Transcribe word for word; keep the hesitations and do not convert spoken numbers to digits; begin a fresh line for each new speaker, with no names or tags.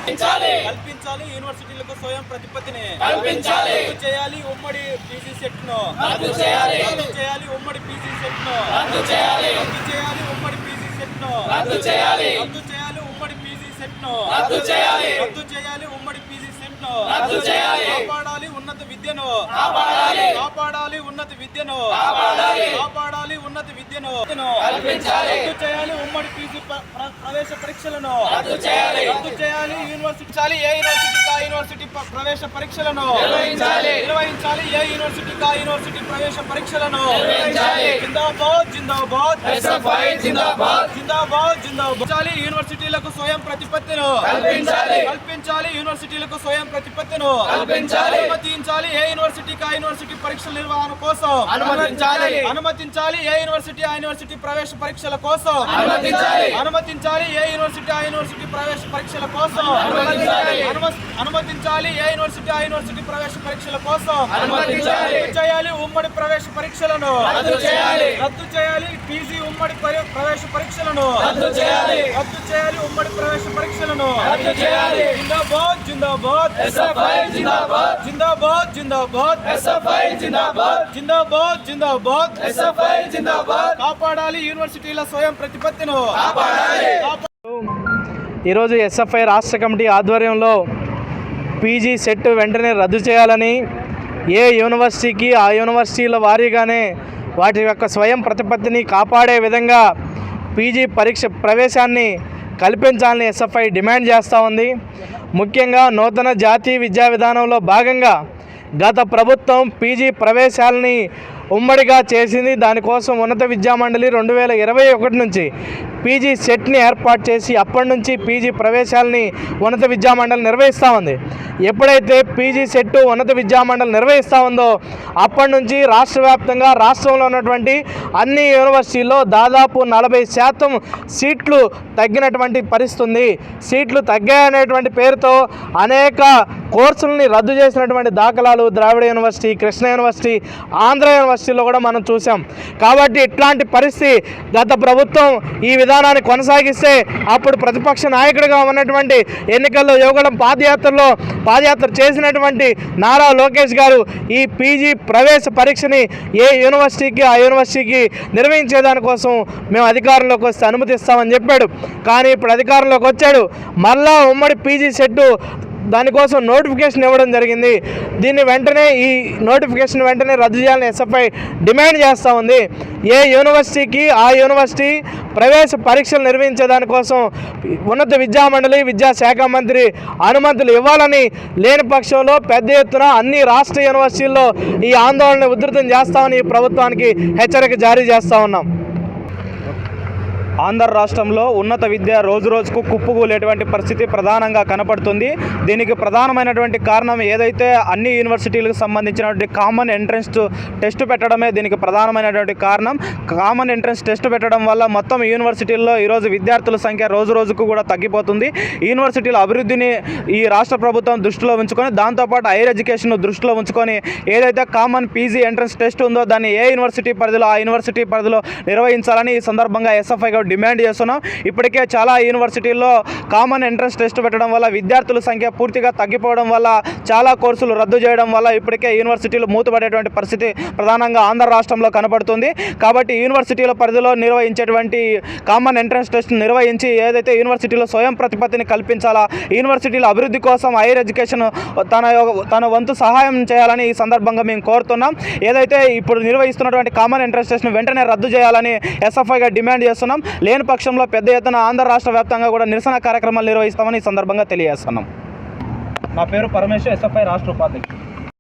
కల్పించాలి యూనివర్సిటీలకు స్వయం ప్రతిపత్తిని కల్పించాలి రద్దు చేయాలి ఉమ్మడి పీజీ సెట్ ను రద్దు చేయాలి రద్దు చేయాలి ఉమ్మడి పీజీ సెట్ ను రద్దు చేయాలి రద్దు చేయాలి ఉమ్మడి పీజీ సెట్ ను రద్దు చేయాలి రద్దు చేయాలి ఉమ్మడి పీజీ సెట్ ను రద్దు చేయాలి రద్దు చేయాలి ఉమ్మడి పీజీ సెట్ ను రద్దు చేయాలి కాపాడాలి ఉన్నత విద్యను కాపాడాలి కాపాడాలి ఉన్నత విద్యను కాపాడాలి కాపాడాలి ఉన్నత విద్యను కల్పించాలి రద్దు చేయాలి ఉమ్మడి పీజీ ప్రవేశ పరీక్షలను రద్దు చేయాలి రద్దు చేయాలి యూనివర్సిటీ ఏ యూనివర్సిటీ కా యూనివర్సిటీ ప్రవేశ పరీక్షలను నిర్వహించాలి నిర్వహించాలి ఏ యూనివర్సిటీ కా యూనివర్సిటీ ప్రవేశ పరీక్షలను నిర్వహించాలి జిందాబాద్ జిందాబాద్ ఎస్ఎఫ్ఐ జిందాబాద్ జిందాబాద్ జిందాబాద్ యూనివర్సిటీలకు స్వయం ప్రతిపత్తిను కల్పించాలి కల్పించాలి యూనివర్సిటీలకు స్వయం ప్రతిపత్తిను కల్పించాలి అనుమతించాలి ఏ యూనివర్సిటీ కా యూనివర్సిటీ పరీక్షల నిర్వహణ కోసం అనుమతించాలి అనుమతించాలి ఏ యూనివర్సిటీ ఆ యూనివర్సిటీ ప్రవేశ పరీక్షల కోసం అనుమతించాలి అనుమతించాలి ఏ యూనివర్సిటీ ఆ యూనివర్సిటీ ప్రవేశ పరీక్షల కోసం అనుమతించాలి అనుమతించాలి ఏ యూనివర్సిటీ ఆ యూనివర్సిటీ ప్రవేశ పరీక్షల కోసం అనుమతించాలి రద్దు చేయాలి ఉమ్మడి ప్రవేశ పరీక్షలను రద్దు చేయాలి రద్దు చేయాలి పీజీ ఉమ్మడి ప్రవేశ పరీక్షలను రద్దు చేయాలి రద్దు చేయాలి ఉమ్మడి ప్రవేశ పరీక్షలను రద్దు చేయాలి జిందాబాద్ జిందాబాద్ ఎస్ఎఫ్ఐ జిందాబాద్ జిందాబాద్ జిందాబాద్ ఎస్ఎఫ్ఐ జిందాబాద్ జిందాబాద్ జిందాబాద్ ఎస్ఎఫ్ఐ జిందాబాద్ కాపాడాలి యూనివర్సిటీల స్వయం ప్రతిపత్తిను కాపాడాలి.
ఈరోజు ఎస్ఎఫ్ఐ రాష్ట్ర కమిటీ ఆధ్వర్యంలో పీజీ సెట్ వెంటనే రద్దు చేయాలని, ఏ యూనివర్సిటీకి ఆ యూనివర్సిటీల వారీగానే వాటి యొక్క స్వయం ప్రతిపత్తిని కాపాడే విధంగా పీజీ పరీక్ష ప్రవేశాన్ని కల్పించాలని ఎస్ఎఫ్ఐ డిమాండ్ చేస్తూ ఉంది. ముఖ్యంగా నూతన జాతీయ విద్యా విధానంలో భాగంగా గత ప్రభుత్వం పీజీ ప్రవేశాలని ఉమ్మడిగా చేసింది. దానికోసం ఉన్నత విద్యామండలి రెండు వేల ఇరవై ఒకటి నుంచి పీజీ సెట్ని ఏర్పాటు చేసి అప్పటి నుంచి పీజీ ప్రవేశాలని ఉన్నత విద్యామండలి నిర్వహిస్తూ ఉంది. ఎప్పుడైతే పీజీ సెట్ ఉన్నత విద్యామండలి నిర్వహిస్తూ ఉందో అప్పటి నుంచి రాష్ట్ర వ్యాప్తంగా రాష్ట్రంలో ఉన్నటువంటి అన్ని యూనివర్సిటీల్లో దాదాపు నలభై శాతం సీట్లు తగ్గినటువంటి పరిస్థితి ఉంది. సీట్లు తగ్గాయనేటువంటి పేరుతో అనేక కోర్సులని రద్దు చేసినటువంటి దాఖలాలు ద్రావిడ యూనివర్సిటీ, కృష్ణ యూనివర్సిటీ, ఆంధ్ర యూనివర్సిటీలో కూడా మనం చూసాం. కాబట్టి ఇట్లాంటి పరిస్థితి గత ప్రభుత్వం ఈ విధానాన్ని కొనసాగిస్తే అప్పుడు ప్రతిపక్ష నాయకుడిగా ఉన్నటువంటి ఎన్నికల్లో యువగళం పాదయాత్రలో పాదయాత్ర చేసినటువంటి నారా లోకేష్ గారు ఈ పీజీ ప్రవేశ పరీక్షని ఏ యూనివర్సిటీకి ఆ యూనివర్సిటీకి నిర్వహించేదానికోసం మేము అధికారంలోకి వస్తే అనుమతిస్తామని చెప్పాడు. కానీ ఇప్పుడు అధికారంలోకి వచ్చాడు, మళ్ళా ఉమ్మడి పీజీ సెట్టు దానికోసం నోటిఫికేషన్ ఇవ్వడం జరిగింది. దీన్ని వెంటనే ఈ నోటిఫికేషన్ వెంటనే రద్దు చేయాలని ఎస్ఎఫ్ఐ డిమాండ్ చేస్తూ ఉంది. ఏ యూనివర్సిటీకి ఆ యూనివర్సిటీ ప్రవేశ పరీక్షలు నిర్వహించేదానికోసం ఉన్నత విద్యామండలి విద్యాశాఖ మంత్రి అనుమతులు ఇవ్వాలని, లేని పక్షంలో పెద్ద ఎత్తున అన్ని రాష్ట్ర యూనివర్సిటీల్లో ఈ ఆందోళన ఉధృతం చేస్తామని ఈ ప్రభుత్వానికి హెచ్చరిక జారీ చేస్తూ ఉన్నాం. ఆంధ్ర రాష్ట్రంలో ఉన్నత విద్య రోజు రోజుకు కుప్పకూలేటువంటి పరిస్థితి ప్రధానంగా కనపడుతుంది. దీనికి ప్రధానమైనటువంటి కారణం ఏదైతే అన్ని యూనివర్సిటీలకు సంబంధించినటువంటి కామన్ ఎంట్రన్స్ టెస్ట్ పెట్టడమే దీనికి ప్రధానమైనటువంటి కారణం. కామన్ ఎంట్రన్స్ టెస్ట్ పెట్టడం వల్ల మొత్తం యూనివర్సిటీల్లో ఈరోజు విద్యార్థుల సంఖ్య రోజు రోజుకు కూడా తగ్గిపోతుంది. యూనివర్సిటీల అభివృద్ధిని ఈ రాష్ట్ర ప్రభుత్వం దృష్టిలో ఉంచుకొని, దాంతోపాటు హైయర్ ఎడ్యుకేషన్ దృష్టిలో ఉంచుకొని ఏదైతే కామన్ పీజీ ఎంట్రన్స్ టెస్ట్ ఉందో దాన్ని ఏ యూనివర్సిటీ పరిధిలో ఆ యూనివర్సిటీ పరిధిలో నిర్వహించాలని ఈ సందర్భంగా ఎస్ఎఫ్ఐ డిమాండ్ చేస్తున్నాం. ఇప్పటికే చాలా యూనివర్సిటీల్లో కామన్ ఎంట్రన్స్ టెస్ట్ పెట్టడం వల్ల విద్యార్థుల సంఖ్య పూర్తిగా తగ్గిపోవడం వల్ల చాలా కోర్సులు రద్దు చేయడం వల్ల ఇప్పటికే యూనివర్సిటీలు మూతపడేటువంటి పరిస్థితి ప్రధానంగా ఆంధ్ర రాష్ట్రంలో కనబడుతుంది. కాబట్టి యూనివర్సిటీల పరిధిలో నిర్వహించేటువంటి కామన్ ఎంట్రన్స్ టెస్ట్ నిర్వహించి ఏదైతే యూనివర్సిటీలో స్వయం ప్రతిపత్తిని కల్పించాలా, యూనివర్సిటీల అభివృద్ధి కోసం హైయర్ ఎడ్యుకేషన్ తన తన వంతు సహాయం చేయాలని ఈ సందర్భంగా మేము కోరుతున్నాం. ఏదైతే ఇప్పుడు నిర్వహిస్తున్నటువంటి కామన్ ఎంట్రన్స్ టెస్ట్ను వెంటనే రద్దు చేయాలని ఎస్ఎఫ్ఐగా డిమాండ్ చేస్తున్నాం. లేని పక్షంలో పెద్ద ఎత్తున ఆంధ్ర రాష్ట్ర వ్యాప్తంగా కూడా నిరసన కార్యక్రమాలు నిర్వహిస్తామని ఈ సందర్భంగా తెలియజేస్తున్నాం. నా పేరు పరమేశ్వర్, ఎస్ఎఫ్ఐ రాష్ట్ర ఉపాధ్యక్షుడు.